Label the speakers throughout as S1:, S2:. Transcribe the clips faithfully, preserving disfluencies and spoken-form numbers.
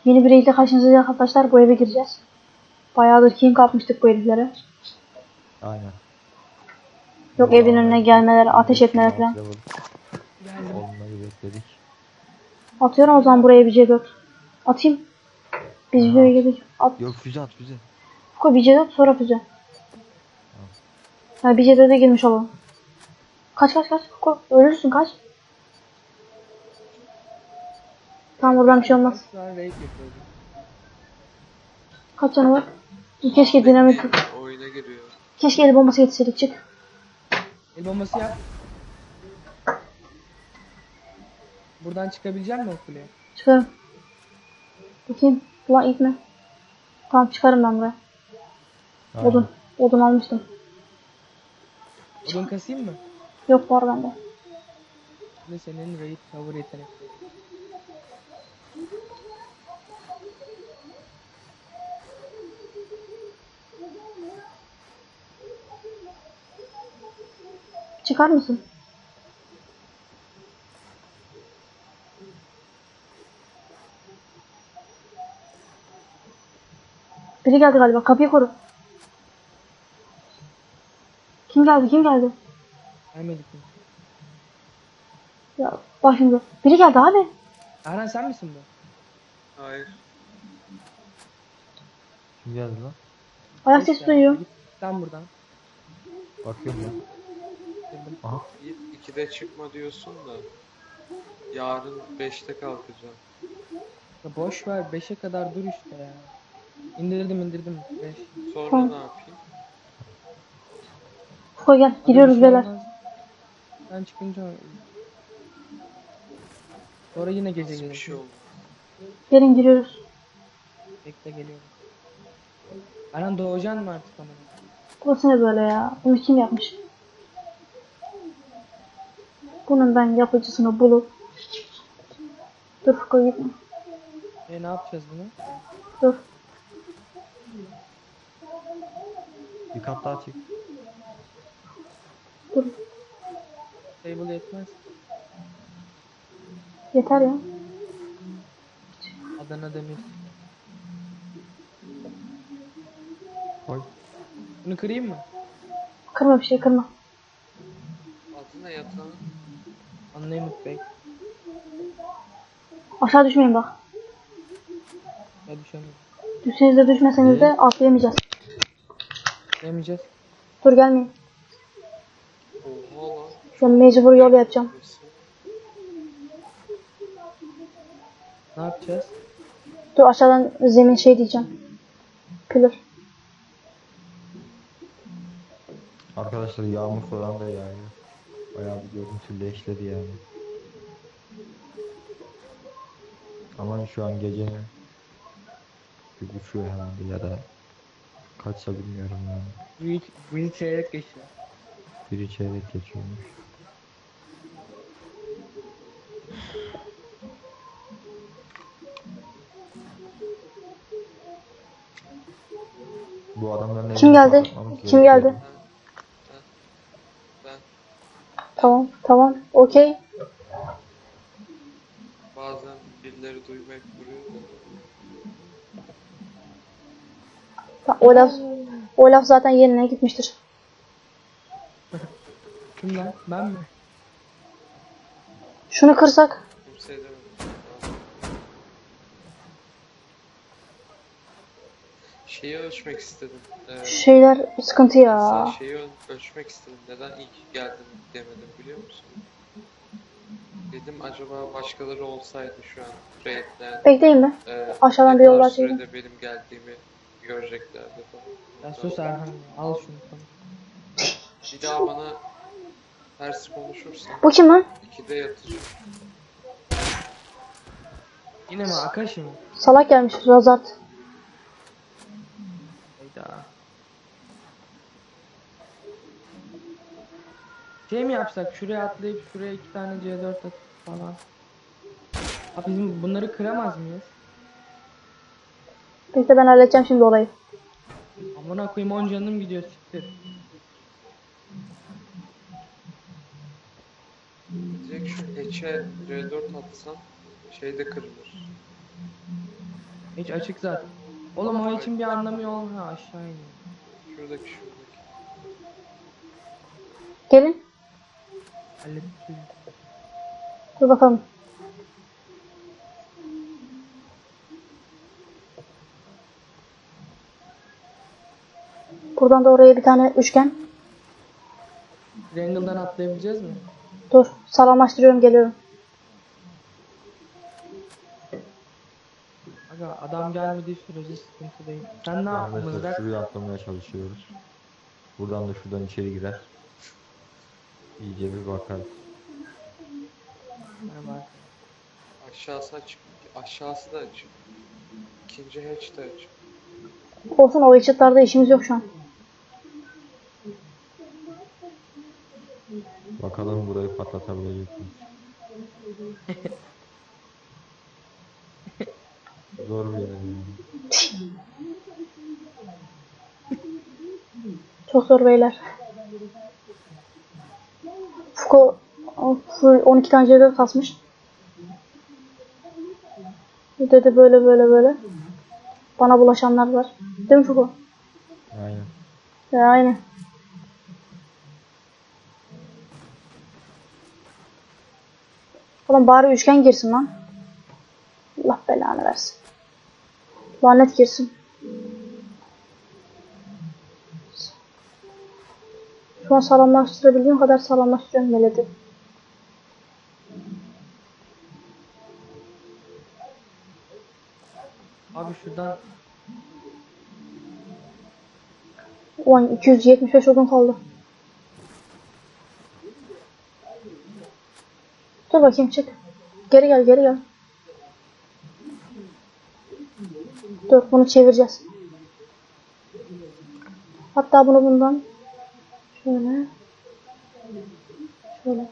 S1: Yeni bir raid'le karşınızdayız arkadaşlar. Bu eve gireceğiz. Bayağıdır king kapmıştık bu heriflere.
S2: Aynen.
S1: Yok evin önüne gelmeler, ateş etmeler falan.
S3: Geldim.
S2: Olmayı bekledik.
S1: Atıyorum o zaman buraya bir C dört. Atayım. Biz videoya
S2: At.
S1: girdik. At.
S2: Yok füze at füze.
S1: Koy bir C dört sonra füze. Ha bir C dört'e girmiş olalım. Kaç kaç kaç. Koy. Ölürsün kaç. Tamam buradan bir şey olmaz.
S3: Şu an raid yapıyordum.
S1: Kaç canı var? Keşke dinamit.
S4: Oyuna giriyor.
S1: Keşke el bombası yetişseydik çık.
S3: El bombası yap. Buradan çıkabilecek misin o kuleye?
S1: Çıkarım. Bakayım. Ulan ilk mi? Tamam çıkarım ben buraya.
S2: Aynen.
S1: Odun. Odun almıştım.
S3: Odun kasayım mı?
S1: Yok var bende.
S3: Bu da senin raid cover yetenekleri.
S1: Çıkar mısın? Biri geldi galiba. Kapıyı koru. Kim geldi? Kim geldi?
S3: Gelmedik mi?
S1: Ya bak şimdi. Biri geldi abi.
S3: Erhan sen misin bu?
S4: Hayır.
S2: Kim geldi lan?
S1: Ayak
S3: Hoş
S1: sesi
S3: geldin.
S1: duyuyor.
S3: Git lan buradan.
S2: Bakıyorum ben.
S3: Girdim.
S2: Aha.
S4: Yiğit ikide çıkma diyorsun da. Yarın beşte kalkacağım.
S3: Ya boş ver beşe kadar dur işte ya. İndirdim indirdim. beş.
S4: Sonra
S1: Tamam.
S4: ne yapayım?
S1: Koy gel. Giriyoruz beyler.
S3: Ben çıkınca sonra yine gece
S4: Hiçbir
S3: gelir.
S4: şey olmaz.
S1: Gelin giriyoruz.
S3: Bekle geliyorum. Erhan doğacaksın mı artık ama?
S1: Burası ne böyle ya? Bunu kim yapmış? Bunun ben yapıcısını bulup. Dur koy gitme.
S3: E ne yapacağız bunu?
S1: Dur.
S2: Bir kat daha çık.
S1: Dur.
S3: Table yetmez.
S1: Yeter ya.
S3: Adana Demir.
S2: Koy.
S3: Bunu kırayım mı?
S1: Kırma bir şey kırma.
S4: Adı ne yatağın?
S3: Unlimited Bey.
S1: Aşağı düşmeyin bak.
S3: Ya düşemiyorum.
S1: Düşseniz de düşmeseniz de
S2: İyi.
S1: atlayamayacağız.
S3: Demeyeceğiz.
S1: Dur gelmeyin.
S4: Oha lan.
S1: Ben mecbur yol yapacağım.
S4: Burası.
S3: Ne yapacağız?
S1: Dur aşağıdan zemin şey diyeceğim. Pillar.
S2: Arkadaşlar yağmur falan da yağıyor. Bayağı bir görüntüleşti yani. Ama şu an gecenin bir buçuğu herhalde ya da kaçsa bilmiyorum yani.
S3: Büyük, büyük çeyrek geçiyor.
S2: Biri çeyrek geçiyormuş. Bu adamların
S1: Kim
S2: evini
S1: geldi?
S2: kapatmamız
S1: Kim
S2: gerekiyor.
S1: geldi?
S4: Ben
S1: Tamam tamam. Okey.
S4: bazen birileri duymayıp duruyor da.
S1: Ta- O laf, o laf zaten yerine gitmiştir.
S3: Kim lan? Ben mi?
S1: Şunu kırsak.
S4: Kimse edemem. Şeyi ölçmek istedim. Ee,
S1: Şu şeyler sıkıntı ya.
S4: Sen şeyi öl- ölçmek istedim. Neden ilk geldin demedim biliyor musun? Dedim acaba başkaları olsaydı şu an raid'den
S1: Bekleyin mi?
S4: e,
S1: Aşağıdan
S4: ne
S1: bir yol
S4: kadar
S1: açayım.
S4: sürede benim geldiğimi göreceklerdi falan.
S3: Ya sus Erhan. Al şunu. Tamam.
S4: Bir daha bana ters konuşursan
S1: Bu kim lan?
S4: ikide yatacağım.
S3: Yine mi? Akashi mı?
S1: Salak gelmiş. Razart.
S3: Hayda. Şey mi yapsak? Şuraya atlayıp şuraya iki tane C dört atıp falan. Abi bizim bunları kıramaz mıyız?
S1: Bekle ben halledeceğim şimdi olayı.
S3: Amına koyayım on canım gidiyor siktir.
S4: Direkt şu hatch'e C dört atsan şey de kırılır.
S3: Hiç açık zaten. Oğlum o için bir anlamı yok. Ha aşağı iniyor.
S4: Şuradaki şuradaki.
S1: Gelin.
S3: Hallettik.
S1: Dur bakalım. Buradan da oraya bir tane üçgen.
S3: Triangle'dan atlayabileceğiz mi?
S1: Dur. Sağlamlaştırıyorum, geliyorum.
S3: Aga adam gelmediği sürece sıkıntı değil. Sen ne
S2: Yani
S3: yaptın
S2: mesela
S3: mızrak?
S2: şuraya atlamaya çalışıyoruz. Buradan da şuradan içeri girer. İyice bir bakar.
S3: Merhaba.
S4: Aşağısı açık. Aşağısı da açık. İkinci hatch de açık.
S1: Olsun, o içitlarda işimiz yok şu an.
S2: Bakalım burayı patlatabilecek miyiz? Zor bir yer yani.
S1: Çok zor beyler. Fuko o, full on iki tane C dört kasmış. Dedi böyle böyle böyle. Bana bulaşanlar var. Değil mi Fuko?
S2: Aynen.
S1: Ya aynen. Oğlum bari üçgen girsin lan. Allah belanı versin. Lanet girsin. Şu an sağlamlaştırabildiğim kadar sağlamlaştırıyorum meledi.
S3: Abi şuradan
S1: Ulan iki yüz yetmiş beş odun kaldı. Dur bakayım, çık. Geri gel, geri gel. Dur, bunu çevireceğiz. Hatta bunu bundan şöyle şöyle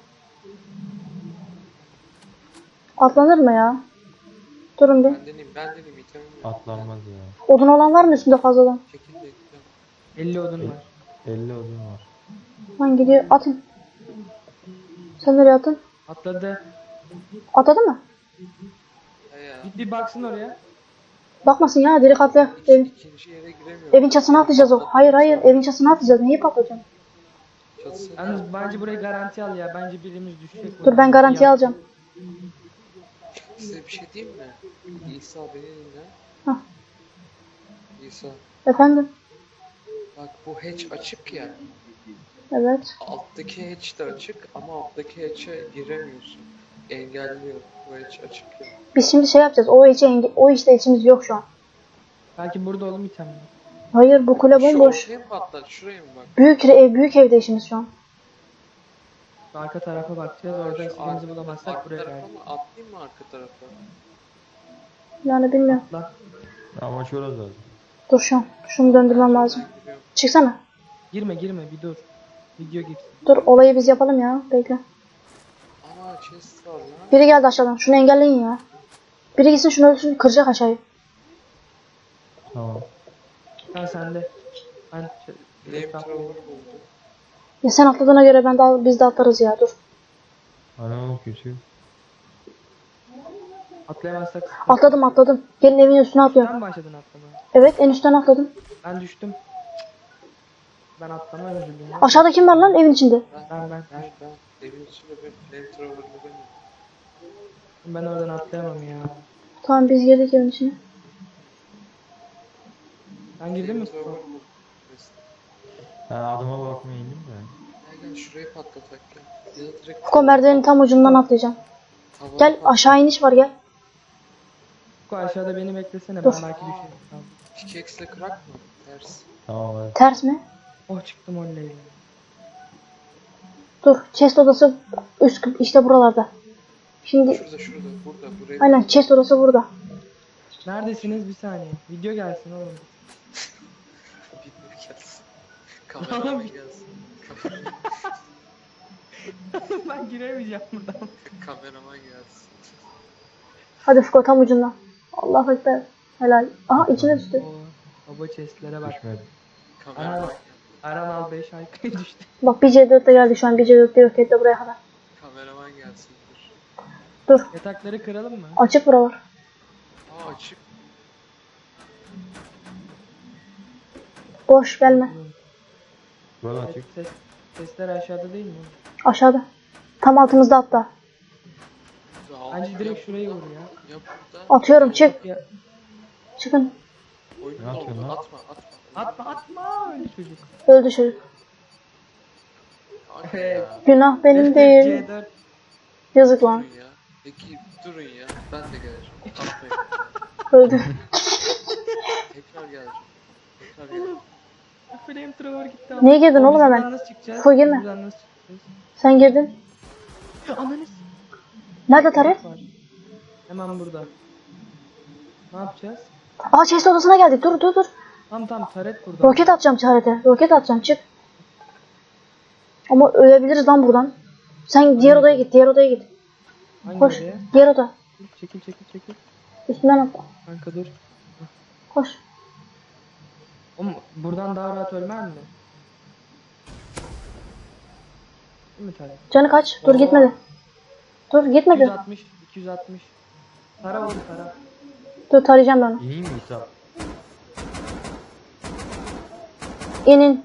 S1: atlanır mı ya? Durun bir.
S4: Ben deneyim, ben deneyim. İtemim yok.
S2: Atlanmaz ya.
S1: Odun olan var mı üstünde fazladan?
S4: Çekil de item.
S3: elli odun var.
S2: elli odun var.
S1: Lan gidiyor, atın. Sen nereye atın?
S3: Atladı.
S1: Atadı mı?
S4: He ya.
S3: Git bir baksın oraya.
S1: Bakmasın ya, direkt atla.
S4: İki,
S1: Evin,
S4: ikinci yere giremiyorum.
S1: evin çatısına atlayacağız o. Hayır hayır, evin çatısına atlayacağız. Neyi patlatacağım?
S4: Çatısını
S3: Yalnız bence burayı garanti al ya. Bence birimiz düşecek.
S1: Dur, ben garantiye
S3: Ya.
S1: alacağım.
S4: Size bir şey diyeyim mi? İsa beni dinle.
S1: Hah.
S4: İsa.
S1: Efendim?
S4: Bak bu hatch açık ya.
S1: Evet.
S4: Alttaki hatch de açık ama alttaki hatch'e giremiyorsun. Engelliyor. Bu hatch açık ya.
S1: Biz şimdi şey yapacağız. O içe enge- o işte içimiz yok şu an.
S3: Belki burada oğlum itemler.
S1: Hayır, bu kule
S4: Şu
S1: bomboş.
S4: ortaya mı patlat? Şuraya mı bak?
S1: Büyük ev, büyük evde işimiz şu an.
S3: Şu arka tarafa bakacağız. Orada
S4: Şu
S3: istediğimizi
S4: arka-
S3: bulamazsak
S4: arka
S3: buraya
S4: tarafa
S3: geldik.
S4: mı? Atlayayım mı arka tarafa?
S1: Yani bilmiyorum.
S3: Atla.
S2: Ama şurası zaten.
S1: Dur şu an. Şunu döndürmem lazım.
S4: Ben giriyorum.
S1: Çıksana.
S3: Girme girme bir dur. Video gitsin.
S1: Dur, olayı biz yapalım ya. Bekle.
S4: Aa chest var lan.
S1: Biri geldi aşağıdan. Şunu engelleyin ya. Biri gitsin şunu ölsün, kıracak aşağıyı.
S2: Tamam.
S3: Sen sende. Ben ç-
S4: Flamethrower buldum.
S1: Ya sen atladığına göre ben de al- biz de atlarız ya. Dur.
S2: Ana kötü.
S3: atlayamazsak sıkıntı.
S1: Atladım atladım. Gelin evin üstüne atlıyorum.
S3: Sen başladın atlamaya.
S1: Evet, en üstten atladım.
S3: Ben düştüm. Ben atlamaya üzüldüm. ya.
S1: Aşağıda kim var lan evin içinde?
S3: Ben ben.
S4: Ben ben evin içinde ben flamethrower'lı benim.
S3: Ben oradan atlayamam ya.
S1: Tamam, biz girdik evin içine.
S3: Ben girdim mi?
S4: Flamethrower buldum.
S2: Ben adıma bakmaya indim de.
S4: Gel gel şurayı patlatak gel. Ya da direkt
S1: Fuko merdivenin tam ucundan atlayacağım.
S4: tavana
S1: Gel,
S4: pat-
S1: aşağı iniş var, gel.
S3: Fuku aşağıda beni beklesene.
S1: Dur.
S3: Ben belki düşerim. Tamam.
S4: Pickaxe'le kırak mı? Ters.
S2: Tamam hadi.
S1: Ters mi?
S3: Oh çıktım oley.
S1: Dur, chest odası üst işte buralarda. Şimdi
S4: Şurada şurada burada buraya.
S1: aynen, chest odası burada.
S3: Neredesiniz bir saniye. Video gelsin oğlum.
S4: Bilmiyorum gelsin. Kameraman
S3: Oğlum.
S4: gelsin. Kameraman,
S3: Ben giremeyeceğim buradan.
S4: kameraman gelsin.
S1: Hadi Fuko, tam ucundan. Allah ekber. Helal. Aha, içine düştü.
S3: Oo, baba chestlere bak.
S2: Düşmedi.
S4: Kameraman
S3: Ana.
S4: geldi.
S3: Aran al beş aykırı düştü.
S1: Bak, bir C dört de geldi şu an. Bir C dört de yok etti buraya kadar.
S4: Kameraman gelsin dur.
S1: Dur.
S3: Yatakları kıralım mı?
S1: Açık buralar.
S4: Aa açık.
S1: Boş gelme.
S2: Böyle açık.
S3: Ses, sesler aşağıda değil mi?
S1: Aşağıda. Tam altımızda hatta.
S4: Ya,
S3: Bence
S4: ya
S3: direkt şurayı
S4: burada,
S3: vur ya.
S4: Ya burada.
S1: Atıyorum, çık.
S3: Ya,
S1: Çıkın.
S4: Oyunun
S2: Ne yapıyorsun
S4: oldu.
S2: lan?
S4: Atma atma.
S3: atma atma öyle çocuk.
S1: Öldü çocuk.
S4: Hadi ya.
S1: Günah benim
S3: C
S1: değil.
S3: dört.
S1: Yazık lan.
S4: Durun ya. Peki durun ya. Ben de geleceğim. Atmayın.
S1: Öldü.
S4: Tekrar geleceğim. Tekrar geleceğim.
S3: Flamethrower gitti.
S1: Niye girdin
S3: Oğlum,
S1: oğlum
S3: biz
S1: hemen?
S3: buradan nasıl çıkacağız?
S1: Full girme.
S3: Biz buradan nasıl çıkacağız?
S1: Sen girdin.
S3: Ananı s-
S1: Nerede taret?
S3: var. Hemen burada. Ne yapacağız?
S1: Aa chest odasına geldik. Dur dur dur.
S3: Tamam tamam taret burada.
S1: Roket atacağım tarete. Roket atacağım, çık. Ama ölebiliriz lan buradan. Sen diğer odaya git. Diğer odaya git.
S3: Hangi
S1: Koş.
S3: odaya?
S1: Diğer oda.
S3: Çekil çekil çekil.
S1: Üstünden atla.
S3: Kanka dur.
S1: Koş.
S3: Oğlum buradan daha rahat ölmez mi? Değil mi taret?
S1: Canı kaç? Dur
S3: Oo.
S1: gitmedi. Dur gitmedi.
S3: iki yüz altmış iki yüz altmış. Tara oğlum tara.
S1: Dur tarayacağım ben onu.
S2: İyi mi İsa?
S1: İnin.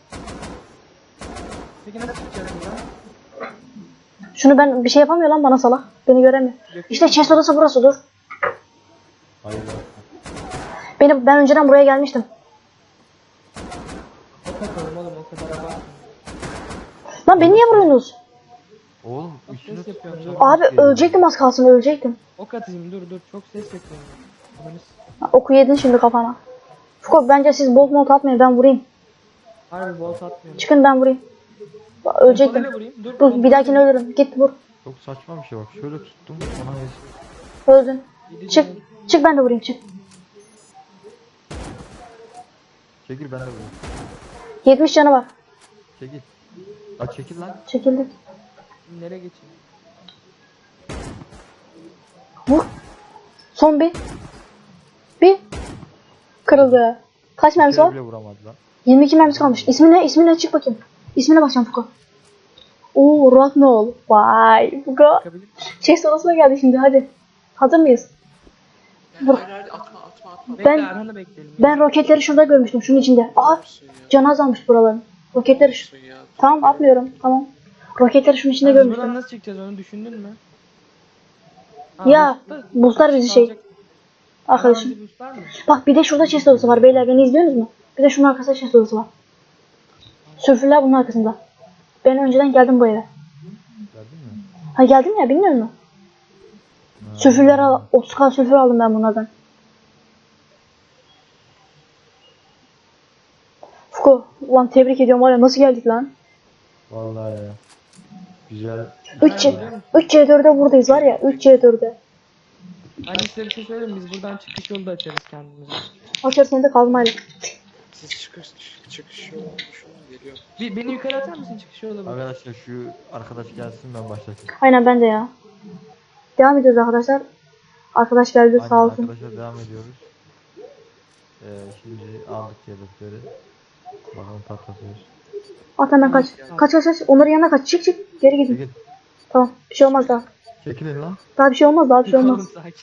S3: Peki nasıl çıkacağız buradan?
S1: Şunu ben bir şey yapamıyor lan bana salak. Beni göremiyor. İşte chest odası burası, dur.
S2: Hayır.
S1: Benim ben önceden buraya gelmiştim.
S3: O takalım oğlum o kadar abartma.
S1: Lan beni niye vuruyorsunuz?
S2: Oğlum
S3: Ses
S2: üstüne
S3: yapıyorum,
S2: tutacağım.
S3: dur.
S1: Abi ölecektim, az kalsın ölecektim.
S3: Ok atayım dur dur çok ses yapıyorum. Ananı s-
S1: Ha, oku yedin şimdi kafana. Fuko bence siz bolt molt atmayın, ben vurayım.
S3: Harbi volt atmıyorum.
S1: Çıkın ben vurayım. Bak, ölecektim.
S3: Pompalayla vurayım. Dur,
S1: Dur bir
S3: pompalayla
S1: dahakine ölürüm. Git vur.
S2: Çok saçma bir şey bak. Şöyle tuttum. Ona yazık.
S1: Öldün.
S3: Yedi
S1: Çık.
S3: canım.
S1: Çık ben de vurayım, çık.
S2: Çekil ben de vurayım.
S1: yetmiş canı var.
S2: Çekil. La çekil lan.
S1: Çekildik.
S3: Nereye geçeyim?
S1: Vur. Son bir. Bir. Kırıldı. Kaç mermisi
S2: Kere
S1: var?
S2: bile vuramadı lan.
S1: yirmi iki mermisi kalmış. İsmi ne? İsmi ne? Çık bakayım. İsmine bakacağım Fuko. Oo, Rocknol. Vay Fuko.
S3: Bakabilir miyim?
S1: Chest odasına geldi şimdi, hadi. Hazır mıyız?
S4: Ya,
S1: Vur.
S4: hayır hayır atma atma atma.
S3: Bekle
S1: Ben-
S3: Erhan'ı bekleyelim.
S1: Ben roketleri şurada görmüştüm, şunun içinde. Aa,
S4: Olsun ya.
S1: canı azalmış buraların. Roketleri şu...
S4: Olsun ya.
S1: Tamam, atmıyorum. Tamam. Roketleri şunun içinde
S3: Biz buradan
S1: görmüştüm.
S3: nasıl çıkacağız onu düşündün mü? Ha,
S1: Ya,
S3: boost'ta-
S1: boostlar bizi şey.
S3: kalacak.
S1: Arkadaşım.
S3: Bizi boostlar mı?
S1: Bak bir de şurada chest odası var beyler, beni izliyorsunuz mu? Bir de şunun arkasında chest odası var. Sülfürler bunun arkasında. Ben önceden geldim bu eve.
S2: Geldin mi?
S1: Ha geldim ya, bilmiyor musun?
S2: Ha.
S1: Sülfürler al, otuz k sülfür aldım ben bunlardan. Fuko, ulan tebrik ediyorum var ya, nasıl geldik lan?
S2: Vallahi ya. Güzel.
S1: üç C dört'e buradayız var ya, üç C dört'e.
S3: Hani size bir şey söyleyeyim biz buradan çıkış yolu da açarız kendimize.
S1: Açar seni de kazmayla.
S4: Siz çıkış çık- çıkış yolu şu an geliyor.
S3: Bir, beni yukarı atar mısın çıkış yolu bak.
S2: Arkadaşlar şu arkadaş gelsin ben başlatayım.
S1: Aynen ben de ya. Devam ediyoruz arkadaşlar. Arkadaş geldi
S2: Aynen
S1: sağ olsun.
S2: arkadaşlar devam ediyoruz. Ee, şimdi aldık yedekleri. Bakalım patlatıyoruz.
S1: At hemen kaç. Kaç kaç kaç. Onların yanına kaç. Çık çık. Geri gidin.
S2: Çekil.
S1: Tamam. Bir şey olmaz daha.
S2: Çekilin lan.
S1: Daha bir şey olmaz, daha bir şey
S3: Oğlum
S1: olmaz.
S3: sakin.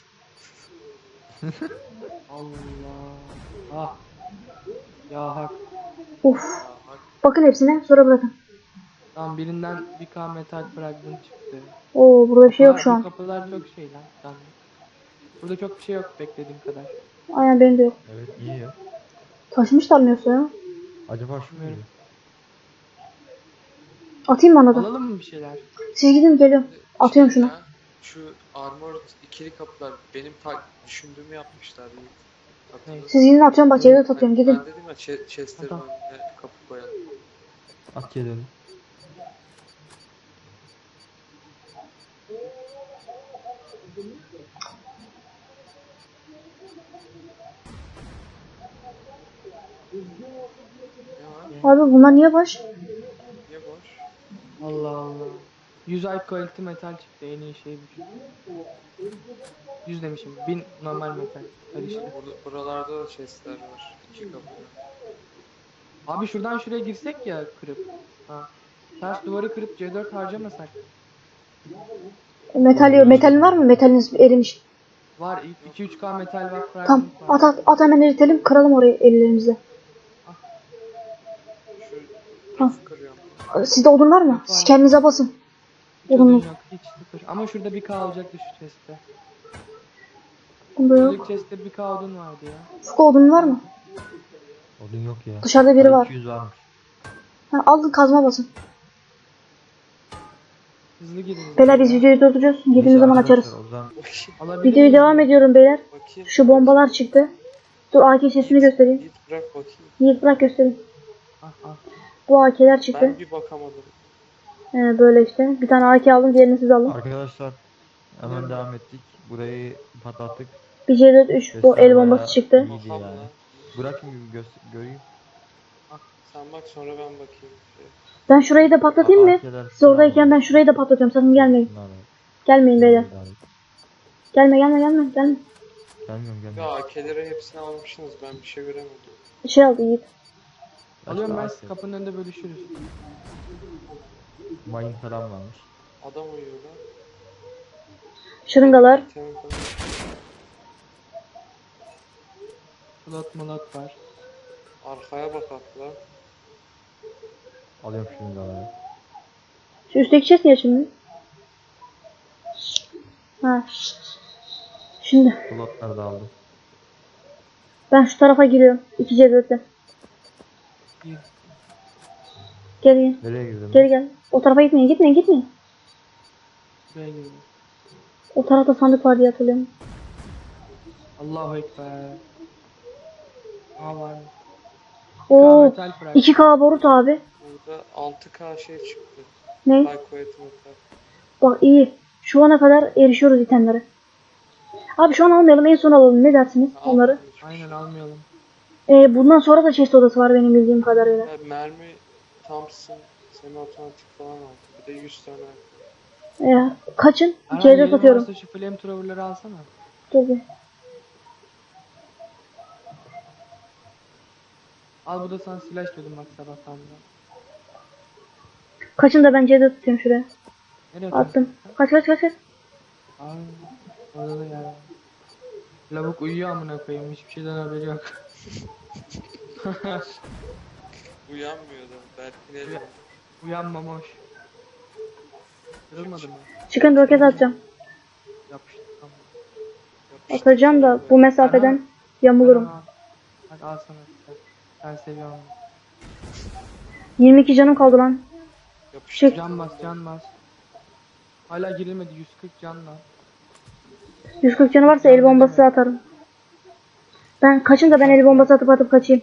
S3: Allah. Ah. Ya hak.
S1: Uf.
S4: Aa, bak
S1: Bakın hepsine, sonra bırakın.
S3: Tamam birinden bir K metal fragment çıktı.
S1: Oo, burada bir şey yok
S3: Bunlar-
S1: şu
S3: bu
S1: an.
S3: kapılar çok şey lan. canlı. Burada çok bir şey yok beklediğim kadar.
S1: Aynen benim de yok.
S2: Evet iyi ya.
S1: Taşımışlar mı yoksa ya?
S2: Acaba şu muydu?
S1: Atayım mı ona da?
S3: Alalım mı bir şeyler?
S1: Siz gidin, geliyorum. Atıyorum şunu.
S4: ya, şu armor ikili kapılar benim ta düşündüğümü yapmışlar. Yiğit. Hatırladın
S1: Siz gidin, atıyorum bak, yerde atıyorum.
S4: Ben-
S1: Gidin.
S4: Ben dedim ya che- chestlerin
S3: Tamam.
S4: önüne kapı koyalım.
S2: At gelin.
S4: Ne var?
S1: Abi bunlar niye baş?
S4: Niye boş?
S3: Allah Allah. yüz ay quality metal çıktı en iyi şey bu. yüz demişim. bin normal metal. Karışık.
S4: Burada, buralarda da chestler var. İki kapı.
S3: Abi şuradan şuraya girsek ya kırıp. Ha. Ters duvarı kırıp C dört harcamasak.
S1: Metal, metalin var mı? Metaliniz erimiş.
S3: Var iki üç K metal var.
S1: Tamam.
S3: fragment var.
S1: At at. At hemen eritelim. Kıralım orayı ellerimizle.
S4: Nasıl kırıyorum?
S1: Sizde odun var mı? Siz kendinize basın.
S3: Hiç
S1: Odun
S3: odun
S1: yok.
S3: yok. Hiç sıfır. Ama şurada bir K olacaktı şu chest'te.
S1: Bunda yok.
S3: Şuradaki chest'te bir K odun vardı ya.
S1: Fuku odun var mı?
S2: Odun yok ya.
S1: Dışarıda biri
S2: Ha,
S1: var.
S2: iki yüz varmış.
S1: Ha, alın kazma basın.
S3: Hızlı girin.
S1: Beyler biz videoyu durduracağız. Girdiğimiz
S2: Neyse
S1: zaman
S2: arkadaşlar,
S1: açarız.
S2: O zaman
S4: Bakayım.
S3: Alabilir
S1: Videoyu
S3: miyim?
S1: devam ediyorum beyler.
S4: Bakayım.
S1: Şu bombalar çıktı. Dur A K sesini göstereyim.
S4: Git bırak bakayım.
S1: Yiğit bırak göstereyim.
S3: Ah ah.
S1: Bu A K'ler çıktı.
S4: Ben bir bakamadım.
S1: Ee, böyle işte. Bir tane A K aldım. Diğerini siz alın.
S2: arkadaşlar hemen devam ettik. Burayı patlattık.
S1: Bir C dört üç bu
S2: Sesler
S1: el bombası
S2: bayağı
S1: çıktı.
S2: iyiydi
S4: Bakalım
S2: yani.
S4: lan.
S2: Bırakayım bir göster göreyim.
S4: Sen bak sonra ben bakayım. Şey.
S1: Ben şurayı da patlatayım mı?
S2: Arkeler
S1: Siz oradayken ben şurayı da patlatıyorum. Sakın gelmeyin.
S2: Bunlar var.
S1: Gelmeyin beyler.
S2: Bunlar var.
S1: Gelme gelme gelme gelme.
S2: Gelmiyorum
S4: Ya
S2: gelmiyorum.
S4: A K'leri hepsini almışsınız. Ben bir şey göremedim.
S1: Şey aldı Yiğit.
S3: Alıyorum ben
S2: Başka
S3: siz kapının önünde bölüşürüz.
S2: mayın falan varmış.
S4: Adam uyuyor lan.
S1: Şırıngalar.
S4: İtem falan.
S3: Slot molot var.
S4: Arkaya bak atla.
S2: Alıyorum şimdi alıyorum.
S1: Şu üstteki chest niye açılmıyor? Ha. Şimdi
S2: Slotları da aldım.
S1: ben şu tarafa giriyorum. iki C dörtle.
S3: Bir.
S1: Geri gel.
S2: Nereye girdim?
S1: Geri gel. O tarafa gitmeyin. Gitmeyin gitmeyin.
S3: Buraya girdim.
S1: O tarafta sandık var diye hatırlıyorum.
S3: Allahu Ekber. Aa var.
S1: Oo.
S3: Metal frag.
S1: iki K borut abi.
S4: Burada altı K şey çıktı.
S1: Ne?
S4: High quality metal.
S1: Bak iyi. Şu ana kadar erişiyoruz itemlere. Abi şu an almayalım. En son alalım. Ne dersiniz onları?
S3: Aynen almayalım.
S1: Ee, bundan sonra da chest odası var benim bildiğim kadarıyla.
S4: Ya, mermi Thompson semi otomatik falan aldı. Bir de yüz tane.
S1: Ee, kaçın?
S3: Erhan,
S1: C dört
S3: yerin
S1: atıyorum.
S3: varsa şu flamethrower'ları alsana.
S1: Dur bir.
S3: Al bu da sana silah diyordum bak sabahtan da.
S1: Kaçın da ben C dört tutuyorum şuraya.
S3: Nereye
S1: Attım. Kaç kaç kaç kaç.
S3: Ay, orada da ya. Lavuk uyuyor amına koyayım. Hiçbir şeyden haberi yok.
S4: Uyanmıyordu. Belki ne?
S3: Uyanmamış. Kırılmadı mı?
S1: Çıkın roket atacağım.
S3: Yapıştı tamam.
S1: Atacağım da bu mesafeden yamulurum.
S3: Al. Hadi al sana silah. Ben seviyorum.
S1: yirmi iki canım kaldı lan. Çık.
S3: Can bas can bas. Hala girilmedi yüz kırk canla.
S1: yüz kırk canı varsa el bombası atarım. Ben kaçın da ben el bombası atıp atıp kaçayım.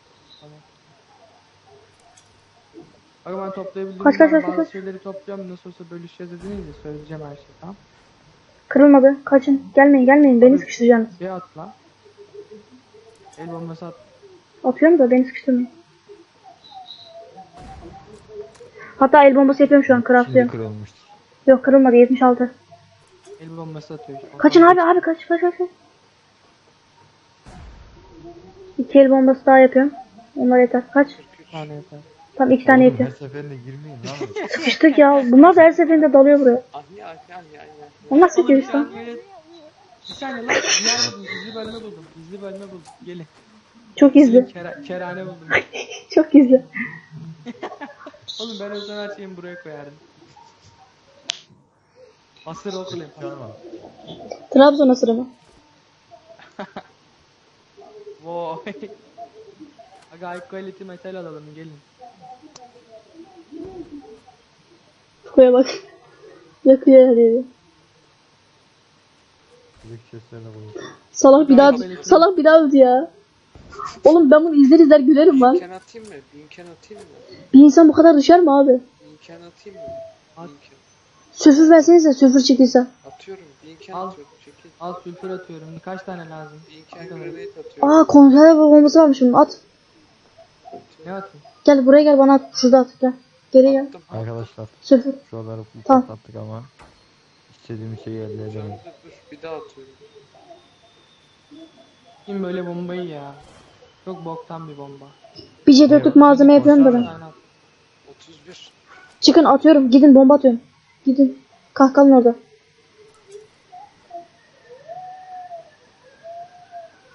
S3: Aga ben toplayabildiğim
S1: Kaç, kaç,
S3: zaman
S1: kaç,
S3: bazı
S1: kaç.
S3: şeyleri topluyorum. Nasıl olsa bölüşeceğiz dediniz ya söyleyeceğim her şeyi tamam.
S1: Kırılmadı. Kaçın. Gelmeyin gelmeyin. Beni sıkıştıracaksınız.
S3: Bir at lan. El bombası at.
S1: Atıyorum da beni sıkıştırmayın. Hatta el bombası yapıyorum şu an.
S2: Şimdi
S1: Craftlıyorum.
S2: kırılmıştır.
S1: Yok kırılmadı. yetmiş altı.
S3: El bombası atıyor. işte.
S1: Kaçın abi abi kaç kaç kaç. kaç. İki el bombası daha yapıyorum. Onlar yeter. Kaç?
S3: Bir tane yeter.
S1: Tam iki tane
S2: Oğlum,
S1: yetiyor.
S2: her seferinde girmeyin lan.
S1: Sıkıştık ya. Bunlar da her seferinde dalıyor buraya.
S4: Ahya ahya ahya ahya.
S1: Onlar sıkıyor
S3: Oğlum,
S1: işte.
S3: bir saniye. Bir saniye lan. Diğer buldum. Gizli bölme buldum. Gizli bölme buldum. Gelin.
S1: Çok gizli.
S3: Kera, kerane buldum.
S1: Çok gizli.
S3: Oğlum ben o zaman her şeyimi buraya koyardım. Asır okuyayım.
S2: Tamam.
S1: Trabzon asırı mı?
S3: Vay. Aga high quality metal alalım gelin.
S1: Fukuya bak. Yakıyor her yeri.
S2: Büyük seslerle koyayım.
S1: Salak bir daha salak bir daha öldü ya. Oğlum ben bunu izler izler gülerim lan.
S4: Binken atayım mı? Binken atayım mı?
S1: Bir insan bu kadar düşer mi abi?
S4: Binken atayım mı?
S3: At.
S4: Binken.
S1: Sülfür versenize sülfür çıktıysa.
S4: Atıyorum. Binken
S3: Al.
S4: atıyorum. Çekil.
S3: Al sülfür atıyorum. Kaç tane lazım?
S4: Binken
S3: Atalım.
S4: grenade atıyorum.
S1: Aa konserve bombası varmış bunun at.
S3: Ne atayım?
S1: Gel buraya gel bana at. Şurada at gel. Geri gel.
S4: Attım.
S2: Arkadaşlar
S1: Sülfür.
S2: şuraları bu
S1: Tamam.
S2: patlattık ama istediğimiz şeyi elde
S4: Dur,
S2: edemedik.
S4: dur, dur. Bir daha atıyorum.
S3: Kim böyle bombayı ya? Çok boktan bir bomba.
S1: Bir C dörtlük malzeme yapıyorum da ben.
S3: Aynen.
S4: otuz bir.
S1: Çıkın atıyorum. Gidin bomba atıyorum. Gidin. Kahkalın orada.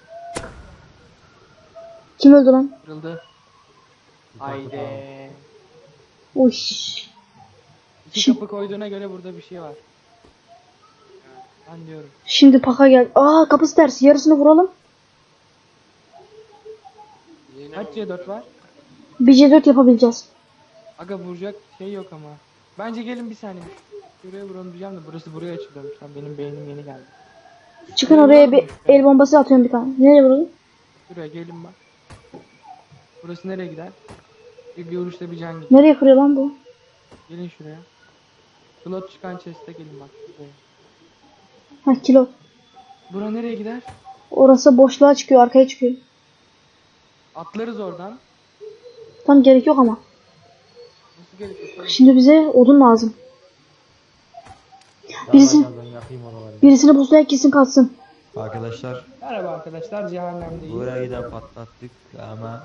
S1: Kim öldü lan?
S3: Kırıldı. Haydi.
S1: Uş.
S3: İki
S1: Şi-
S3: kapı koyduğuna göre burada bir şey var. Ben diyorum.
S1: Şimdi paka gel. Aa kapısı ters. Yarısını vuralım.
S4: Yine
S3: Kaç C dört var?
S1: Bir C dört yapabileceğiz.
S3: Aga vuracak şey yok ama. Bence gelin bir saniye. Şuraya vuralım diyeceğim de burası buraya açılıyormuş. Lan benim beynim yeni geldi.
S1: Çıkın oraya bir el bombası atıyorum bir tane. Nereye vuralım?
S3: Şuraya gelin bak. Burası nereye gider? Bir, bir vuruşta bir can gidiyor.
S1: Nereye kırıyor lan bu?
S3: Gelin şuraya. Slot çıkan chest'e gelin bak. Şuraya.
S1: Ha kilo.
S3: Bura nereye gider?
S1: Orası boşluğa çıkıyor. Arkaya çıkıyor.
S3: Atlarız oradan.
S1: Tam gerek yok ama.
S3: Nasıl gerekiyor?
S1: Şimdi bize odun lazım. Birisi-
S2: Gel, gel, ben yakayım oraları.
S1: Birisini pusulaya kesin kalsın.
S2: Arkadaşlar
S3: Merhaba arkadaşlar, cehennemdeyiz.
S2: burayı da patlattık ama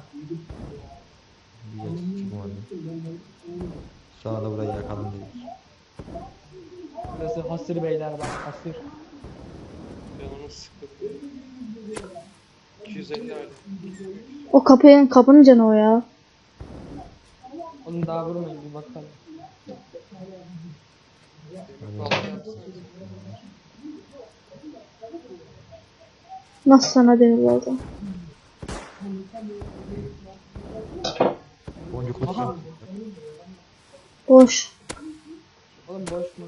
S2: güzel çıkmadı. Sonra da burayı yakalım dedik.
S3: Burası hasır beyler bak, hasır.
S4: Canımı sıkıldı. iki yüz elli aile.
S1: O kapının kapının canı o ya.
S3: Onu daha vurmayın bir bakalım.
S1: Nasıl sana denir orada?
S2: Boncuk
S3: Aha.
S2: koşuyor.
S1: Boş.
S3: Oğlum boş mu?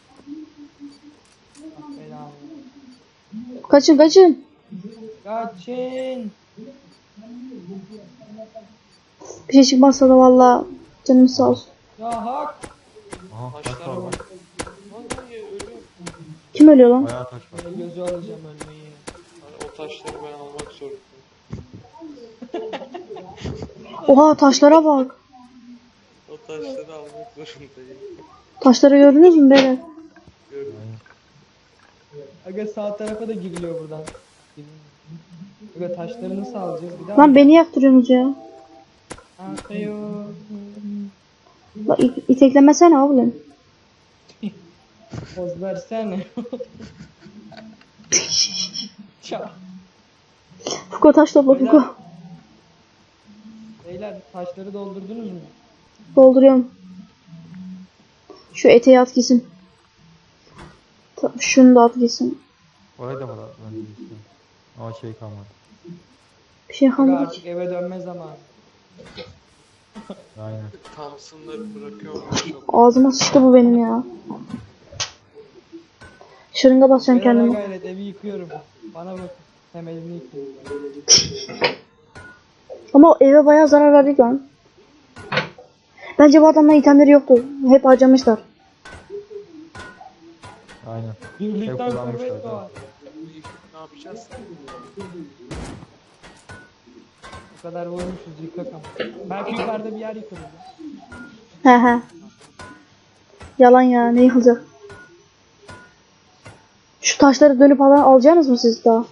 S3: Bak belanı.
S1: Kaçın kaçın.
S3: Kaçın.
S1: Bir şey çıkmazsa da valla canım sağ olsun.
S3: Ya hak.
S2: Aha taş
S4: Taşlara
S2: var
S4: bak.
S2: bak.
S4: Vallahi ölüyorum.
S1: Kim ölüyor lan?
S2: Bayağı taş var.
S3: Ben gözü alacağım ölmeyi.
S4: Hani o taşları ben almak zorundayım.
S1: Oha taşlara bak.
S4: O taşları almak zorundayım.
S1: Taşları gördünüz mü beyler?
S4: Gördüm.
S3: Aga sağ tarafa da giriliyor buradan. Aga taşları nasıl alacağız? Bir daha
S1: Lan beni yaktırıyorsunuz ya.
S3: Atıyor.
S1: Bak it- iteklemesene oğlum.
S3: Poz versene. Ça.
S1: Fuko taş topla Fuko.
S3: Beyler taşları doldurdunuz mu?
S1: Dolduruyorum. Şu eteği at gitsin. Ta- Şunu da at gitsin.
S2: Orayı da patlat ben de istiyorum. Ama şey kalmadı.
S1: Bir şey
S3: Aga
S1: kalmadı
S3: artık
S1: ki.
S3: eve dönme zamanı.
S2: Aynen.
S4: Thompson'ları bırakıyorum. Çok.
S1: Ağzıma sıçtı bu benim ya. Şırınga basacağım
S3: Beyler
S1: kendime.
S3: gayret evi yıkıyorum. Bana bak. Temelini yıkıyorum.
S1: Ama o eve bayağı zarar verdik lan. Bence bu adamların itemleri yoktu. Hep harcamışlar.
S2: Aynen.
S3: Birlikten
S2: Hep kullanmışlar
S3: kuvvet
S2: zaten.
S3: doğar.
S4: Ne yapacağız?
S3: Bu kadar vurmuşuz yıkak ama. Belki yukarıda bir yer yıkarız.
S1: He he. Yalan ya ne yıkılacak? Şu taşları dönüp alan alacaksınız mı siz daha?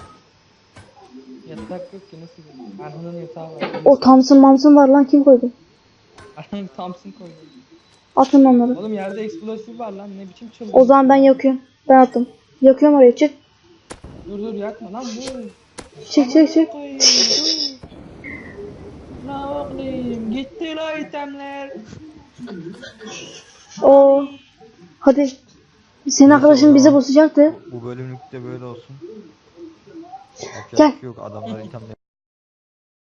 S3: Yatak yok ki nasıl yiyeyim? Erhan'ın yatağı var.
S1: O Thompson Mamson var lan kim koydu?
S3: Erhan Thompson koydu.
S1: Atın onları.
S3: Oğlum yerde eksplosif var lan ne biçim çılgın.
S1: O zaman ben yakıyorum. Ben attım. Yakıyorum oraya çık.
S3: Dur dur yakma lan bu.
S1: Çık çık çık.
S3: Koyayım, dur. Ne oğlum gitti la itemler.
S1: Oo. Hadi. Senin arkadaşın bize bozacaktı.
S2: Bu bölümlükte böyle olsun. Yapacak
S1: Gel.
S2: bir şey yok adamlar itemleri